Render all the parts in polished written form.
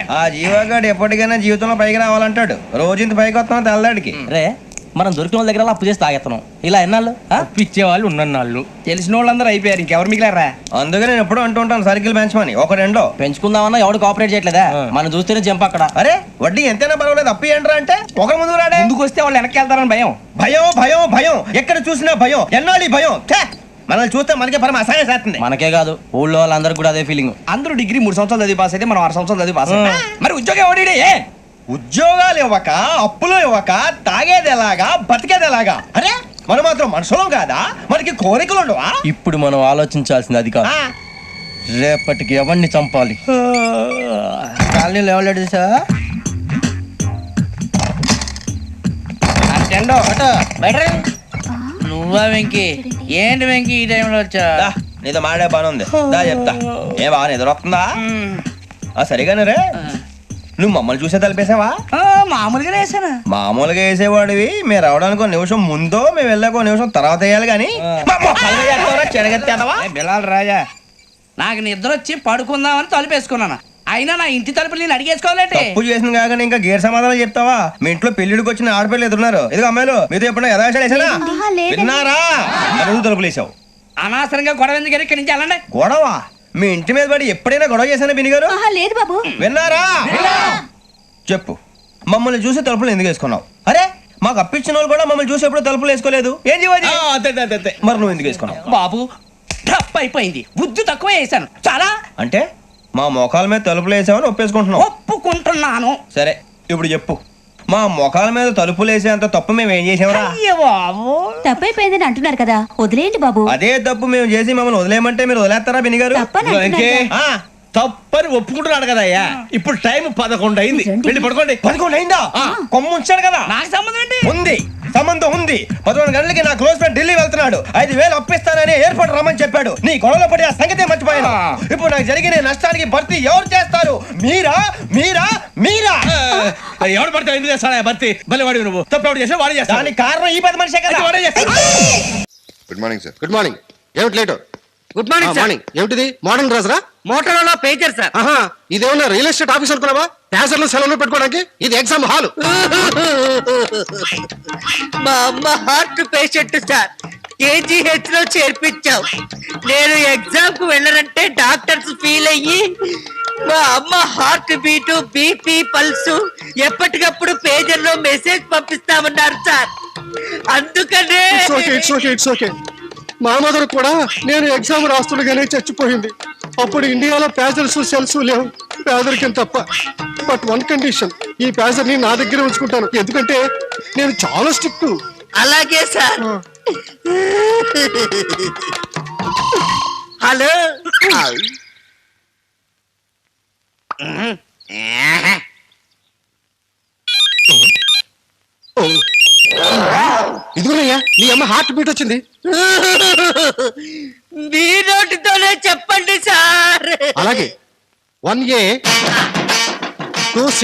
ఆ జీవగాడు ఎప్పటికైనా జీవితంలో పైకి రావాలంటాడు. రోజు ఇంత పైకి వస్తాం తెల్లడికి రే మనం దొరికిన వాళ్ళ దగ్గర అప్పు చేసి తాగెత్తనం. ఇలా ఎన్నాళ్ళు ఇచ్చే వాళ్ళు ఉన్నన్నాళ్ళు తెలిసిన వాళ్ళందరూ అయిపోయారు, ఇంకెవరు మిగిలారా? అందుకే నేను ఎప్పుడు అంటూ ఉంటాను సర్కిల్ బెంచ్ మని ఒక రెండో పెంచుకుందామన్నా ఎవడు కోఆపరేట్ చేయట్లేదా? మనం చూస్తేనే జంప్ అక్కడ. అరే వడ్డీ ఎంతైనా పర్వాలేదు అప్పు ఏంట్రా అంటే ఒక ముందు రాడే. ముందుకు వస్తే వాళ్ళు వెనక్కి వెళ్తారని భయం. భయం భయం భయం ఎక్కడ చూసినా భయం. ఎన్నాళ్ళు భయం? మనల్ని చూస్తే మనకే పరమ అసహాయం చేస్తుంది. మనకే కాదు ఊళ్ళో వాళ్ళందరికీ కూడా అదే ఫీలింగ్. అందరూ డిగ్రీ 3 సంవత్సరాలు చదివి పాస్ అయితే మనం 6 సంవత్సరాలు చదివి పాస్. మరి ఉద్యోగం ఎవడి? ఉద్యోగాలు ఇవ్వక అప్పులు ఇవ్వక తాగేది ఎలాగా బతికేది ఎలాగా? అరే మనం మాత్రం మనుషులం కాదా? మనకి కోరికలు ఉండవా? ఇప్పుడు మనం ఆలోచించాల్సింది అది కాదు, రేపటికి ఎవరిని చంపాలి. కాలనీలో ఎవరు సార్? నువ్వా వెంకీ? ఏంటి వెంకీ ఈ టైంలో వచ్చా? నీతో మాడే పని ఉంది, దా చెప్తా. ఏ బాగా నిద్రొస్తుందా? సరిగానే రే, నువ్వు మమ్మల్ని చూసే తలిపేసావా? మామూలుగానే వేసాను. మామూలుగా వేసేవాడివి. మేము రావడానికి 1 నిమిషం ముందో మేము వెళ్ళాక 1 నిమిషం తర్వాత వేయాలి కానీ బిలాల్ రాజా, నాకు నిద్ర వచ్చి పడుకుందామని తలుపేసుకున్నాను. అయినా నా ఇంటి తలుపులు నేను అడిగేసుకోవాలంటే తప్పు చేసిన కాక ఇంకా గేర్ సమాధానం చెప్తావా? మీ ఇంట్లో పెళ్లిడికి వచ్చిన ఆడపిల్లలు ఎదురున్నారు. ఇదిగో అమ్మాయిలు మీతో ఎప్పుడైనా యథాశాలు వేసానా? విన్నారా? తలుపులు వేసావు. అనవసరంగా గొడవ ఎందుకు? ఇక్కడి నుంచి వెళ్ళండి. గొడవ? మీ ఇంటి మీద పడి ఎప్పుడైనా గొడవ చేశానా బిని గారు? లేదు బాబు. విన్నారా? చెప్పు, మమ్మల్ని చూసి తలుపులు ఎందుకు వేసుకున్నావు? అరే మాకు అప్పించిన వాళ్ళు కూడా మమ్మల్ని చూసి ఎప్పుడు తలుపులు వేసుకోలేదు. ఏం చేయాలి? మరి నువ్వు ఎందుకు వేసుకున్నావు? బాబు టప్ అయిపోయింది, బుద్ధి తక్కువ వేసాను చాలా. అంటే మా మోకాల మీద తలుపులు వేసామని ఒప్పేసుకుంటున్నావు? ఒప్పుకుంటున్నాను. సరే ఇప్పుడు చెప్పు, మా మొఖాల మీద తలుపులు వేసేంత తప్పు మేము ఏం చేసామరా? తప్పైపోయిందని అంటున్నారు కదా, వదిలేయండి బాబు. అదే తప్పు మేము చేసి మమ్మల్ని వదిలేయమంటే మీరు వదిలేస్తారా బిని గారు? తప్పని ఒప్పుకుంటున్నాడు కదా అయ్యా. ఇప్పుడు టైం 11 అయింది, వెళ్ళి పడుకోండి. 11 అయిందా? కొమ్ము ఉంచాడు కదా. నాకు సంబంధం ఏంటి? ఉంది, సంబంధం ఉంది. 11 గంటలకి నా క్లోజ్ ఫ్రెండ్ ఢిల్లీ వెళ్తున్నాడు. 5,000 అప్పిస్తానని ఎయిర్పోర్ట్ రమ్మని చెప్పాడు. నీ గొడవలో పడి ఆ సంగతే మర్చిపోయాను. ఇప్పుడు నాకు జరిగిన నష్టానికి భర్తీ ఎవరు చేస్తారు? మీరా మీరా మీరా? ఎవడు పడితే ఎందుకు చేస్తాడా భర్తీ? మళ్ళీ వాడి నువ్వు తప్పు ఎవడు చేసా వాడు చేస్తా. దానికి కారణం ఈ 10 మనిషే కదా. వాడే చేస్తా. Good morning sir. Good morning. ఏమిటి లేటు? Good morning morning. ఏమిటిది మోడర్న్ డ్రెస్ రా? Motor pager sir. ఇదేమన్నా రియల్ ఎస్టేట్ ఆఫీస్ అనుకున్నావా? ప్యాసర్లు సెలవులు పెట్టుకోవడానికి? ఇది ఎగ్జామ్ హాల్. మా అమ్మ హార్ట్ పేషెంట్ సార్, కేజీహెచ్ లో చేర్పించావు. నేను ఎగ్జామ్ కు వెళ్ళనంటే డాక్టర్స్ ఫీల్ అయ్యి మా అమ్మ హార్ట్ బీటు బీపీ పల్సు ఎప్పటికప్పుడు పేజర్ లో మెసేజ్ పంపిస్తామన్నారు సార్. అందుకనే ఇట్స్ ఓకే. మా మదర్ కూడా నేను ఎగ్జామ్ రాస్తుండగానే చచ్చిపోయింది. అప్పుడు ఇండియాలో ప్యాసర్స్ సెల్స్ లేవు, పేదరికం తప్ప. బట్ 1 కండిషన్, ఈ ప్యాసర్ ని నా దగ్గర ఉంచుకుంటాను, ఎందుకంటే నేను చాలా స్ట్రిక్ట్. అలాగే సార్. హలో, ఇదిగోనయ్యా నీ అమ్మ హార్ట్ బీట్ వచ్చింది. మీ నోటితోనే చెప్పండి సార్. అలాగే 1A 2C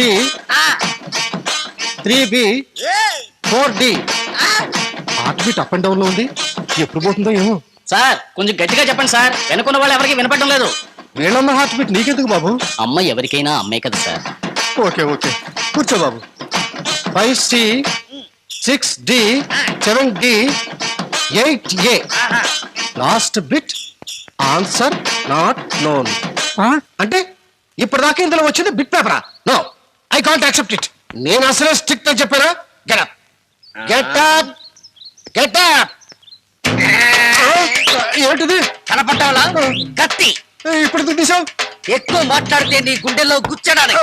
3B 4D. Heart beat up and down లో ఉంది, ఎప్పుడు పోతుందో ఏమో. సార్ కొంచెం గట్టిగా చెప్పండి సార్, వెనుకున్న వాళ్ళు ఎవరికి వినపడడం లేదు. వీళ్ళన్న హార్ట్ బీట్ నీకెందుకు బాబు? అమ్మ ఎవరికైనా అమ్మే కదా సార్. ఓకే కూర్చో బాబు. 5C 6D 7D 8A. Last bit answer not known. అంటే ఇప్పటిదాకా ఇందులో వచ్చింది బిట్ పేపరా? No, I can't accept it. నేను అసలే స్ట్రిక్ట్ అని చెప్పారా? Get up. ఏంటిది? కనపట్టాలా? కత్తి. ఇప్పుడు తీసావు. ఎక్కువ మాట్లాడితే నీ గుండెల్లో గుచ్చడానికి.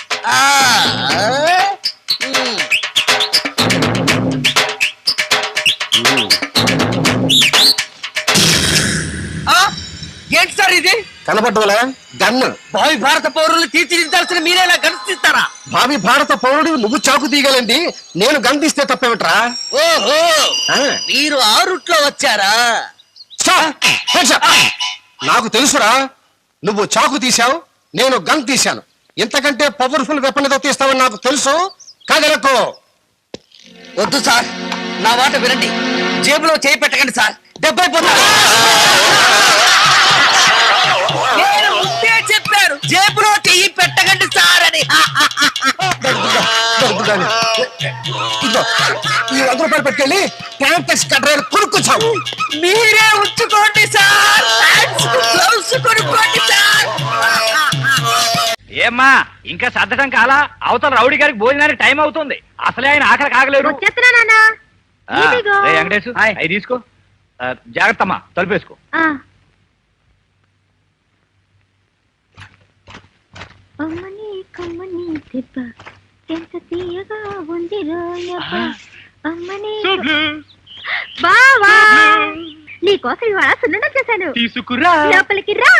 ఏంటి సార్ ఇది? కనపడ్డవలా? గన్. భావి భారత పౌరులు తీర్చిదిద్దాల్సిన మీరేలా గణిస్తారా? భావి భారత పౌరుడు నువ్వు చాకు తీయగలండి, నేను గన్ తీస్తే తప్పేమిట్రా? ఓహో, మీరు ఆ రూట్ లో వచ్చారా? నాకు తెలుసురా, నువ్వు చాకు తీశావు, నేను గన్ తీశాను. ఇంతకంటే పవర్ఫుల్ వెపన్ ఏదో తీస్తావని నాకు తెలుసు. కాదలకు. వద్దు సార్, నా మాట వినండి. జేబులో చేయి పెట్టకండి సార్, దెబ్బైపోతారు. నేను ముందే చెప్పాను, జేబులో చెయ్యి పెట్టకండి సార్ అని. దాన్ని. ఇదిగో ఈ 100 రూపాయలు పెట్టుకెళ్ళి ట్యాంక్ కట్టరాలు కొనుక్కొచ్చావు. మీరే ఉంచుకోండి సార్. గ్లౌస్ కొనుక్కోండి సార్. ఏమ్మా ఇంకా సర్దటం కాలా? అవతల రౌడీ గారికి భోజనానికి టైం అవుతుంది. అసలే ఆయన ఆకలి కాగలేరు. వెంకటేశ్ అవి తీసుకో. జాగ్రత్తమ్మా, తలుపేసుకో. అమ్మని కమ్మని దెబ్బ ఎంత తీయగా ఉంది రోయబ్బ. అమ్మని బావా నీకోసం ఇవాళ సున్నుండ చేశాను. తీసుకురా. లోపలికి రా.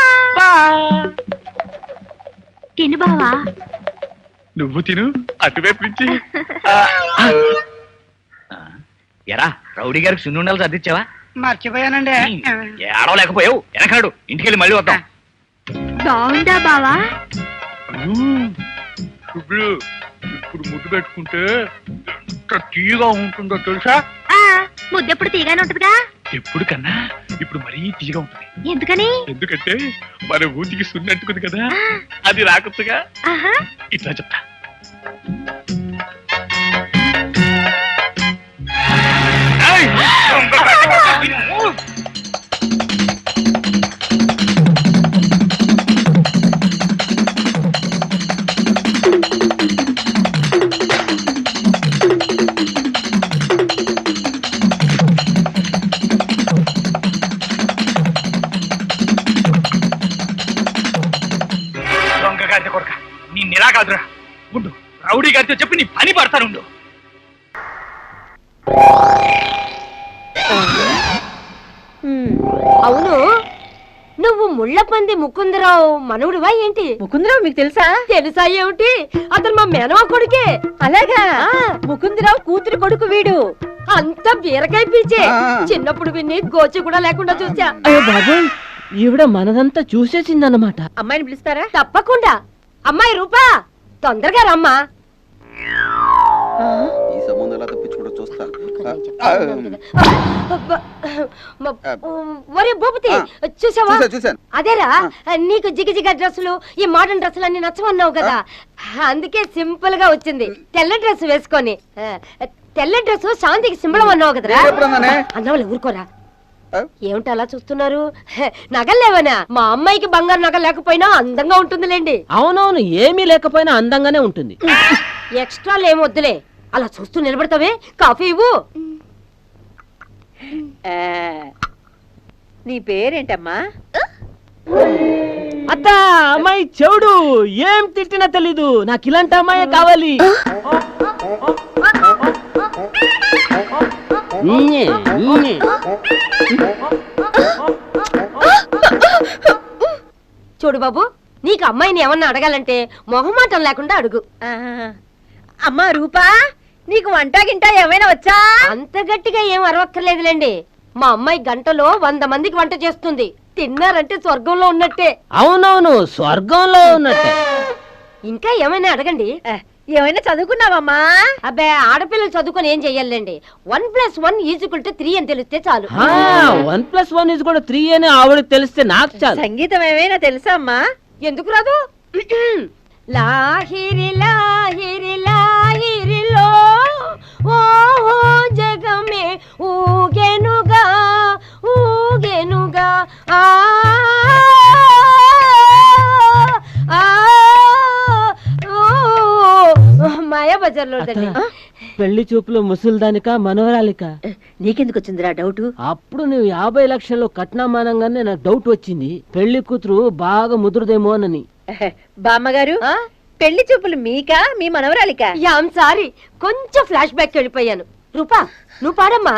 తిను బావా. నువ్వు తిను, అటువైపు నుంచి. ఎరా రౌడీ గారికి సున్నుండలు సర్దిచ్చావా? మర్చిపోయానండి. ఏడవలేకపోయావు. వెనకాడు, ఇంటికెళ్ళి మళ్ళీ వద్దాం. బాగుందా బావా? ఇప్పుడు ముద్దు పెట్టుకుంటే ఎంత తీయగా ఉంటుందో తెలుసా? ముద్దెప్పుడు తీగానే ఉంటుందిగా. ఎప్పుడు కన్నా ఇప్పుడు మరీ తీయగా ఉంటుంది. ఎందుకని? ఎందుకంటే మన ఊరికి సున్నంటుకుంది కదా, అది రాకొచ్చుగా. ఇట్లా చెప్తా. నీ నిలా కాదురా ఉండు, రౌడీ గారితో చెప్పి నీ పని పడతానుండు. అవును, నువ్వు ముళ్ళపంది ముకుందరావు మనవుడివా ఏంటి? ముకుందరావు మీకు తెలుసా? తెలుసా ఏమిటి? అతను మా మేనమా కొడుకే. అలాగా? ముకుందరావు కూతురు కొడుకు వీడు. అంత బీరకాయ పీచే. చిన్నప్పుడు విని గోచి కూడా లేకుండా చూసా. బాబోయ్, ఈవిడ మనదంతా చూసేసిందన్నమాట. అమ్మాయిని పిలుస్తారా? తప్పకుండా. అమ్మాయి రూపా, తొందరగా రమ్మా. ఈ సంబంధం ఎలా తప్పించుకుంటూ చూస్తా. ఒరే భూపతి, చూసావా? చూసాను. అదేరా, నీకు జిగజిగ డ్రెస్సులు ఈ మోడర్న్ డ్రెస్సులు అన్ని నచ్చమన్నావు కదా, అందుకే సింపుల్ గా వచ్చింది. తెల్ల డ్రెస్ వేసుకొని. తెల్ల డ్రెస్ శాంతికి సింబలం అన్నావు కదరా. అన్నవాళ్ళు ఊరుకోరా. ఏమిటి అలా చూస్తున్నారు? నగలేవనా? మా అమ్మాయికి బంగారు నగ లేకపోయినా అందంగా ఉంటుందిలేండి. అవునవును, ఏమీ లేకపోయినా అందంగానే ఉంటుంది. ఎక్స్ట్రాలు ఏం వద్దులే, అలా చూస్తూ నిలబడతావే. కాఫీ ఇవ్వు. నీ పేరేంటమ్మా? అత్త, అమ్మాయి చెవుడు, ఏం తిట్టినా తెలీదు. నాకు ఇలాంటి అమ్మాయి కావాలి. చూడు బాబు, నీకు అమ్మాయిని ఏమన్నా అడగాలంటే మొహమాటం లేకుండా అడుగు. అమ్మా రూపా, నీకు వంట గింట ఏమైనా వచ్చా? అంత గట్టిగా ఏం అరవక్కర్లేదులేండి. మా అమ్మాయి గంటలో 100 మందికి వంట చేస్తుంది. తిన్నారంటే స్వర్గంలో ఉన్నట్టే. అవునవును, స్వర్గంలో ఉన్నట్టే. ఇంకా ఏమైనా అడగండి. ఏమైనా చదువుకున్నావమ్మా? అబ్బే, ఆడపిల్లలు చదువుకొని ఏం చెయ్యాలండి? 1+1 = 3 అని తెలిస్తే చాలు. 1+1 = 3 అని ఆవిడకి తెలిస్తే నాకు చాలు. సంగీతం ఏమైనా తెలుసా అమ్మా? ఎందుకు రాదు? లాహిరి లాహిరి లాహిరిలో ఓ జగమే ఊగెనుగా ఊగెనుగా ఆ మాయా బజార్లో. పెళ్లి చూపులు ముసలిదానిక మనవరాలిక? నీకెందుకు వచ్చిందిరా డౌట్? అప్పుడు నువ్వు 50 లక్షలు కట్నమానంగానే నాకు డౌట్ వచ్చింది. పెళ్లి కూతురు బాగా ముదురుదేమోనని. బామ్మగారు, పెళ్లి చూపులు మీకా మీ మనవరాలికా? యామ్ సారీ, కొంచెం ఫ్లాష్ బ్యాక్ వెళ్ళిపోయాను. రూపా, నువ్వు పాడమ్మా.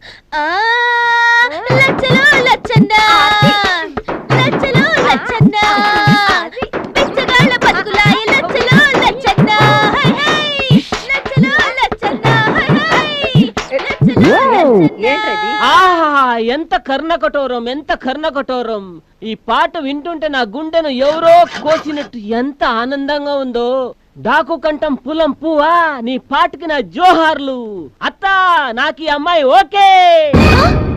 లచ్చలు లచ్చన్నా లచ్చలు లచ్చన్నా పిచ్చగాళ్ళ బతుకులాయ లచ్చలు లచ్చన్నా హై హై లచ్చలు లచ్చన్నా హై హై లచ్చలు ఏంటది? ఆహా, ఎంత కర్ణకఠోరం, ఎంత కర్ణకఠోరం. ఈ పాట వింటుంటే నా గుండెను ఎవరో కోసినట్టు ఎంత ఆనందంగా ఉందో. డాకు కంఠం పులం పువ్వా, నీ పాటకి నా జోహార్లు. అత్తా, నాకు ఈ అమ్మాయి ఓకే.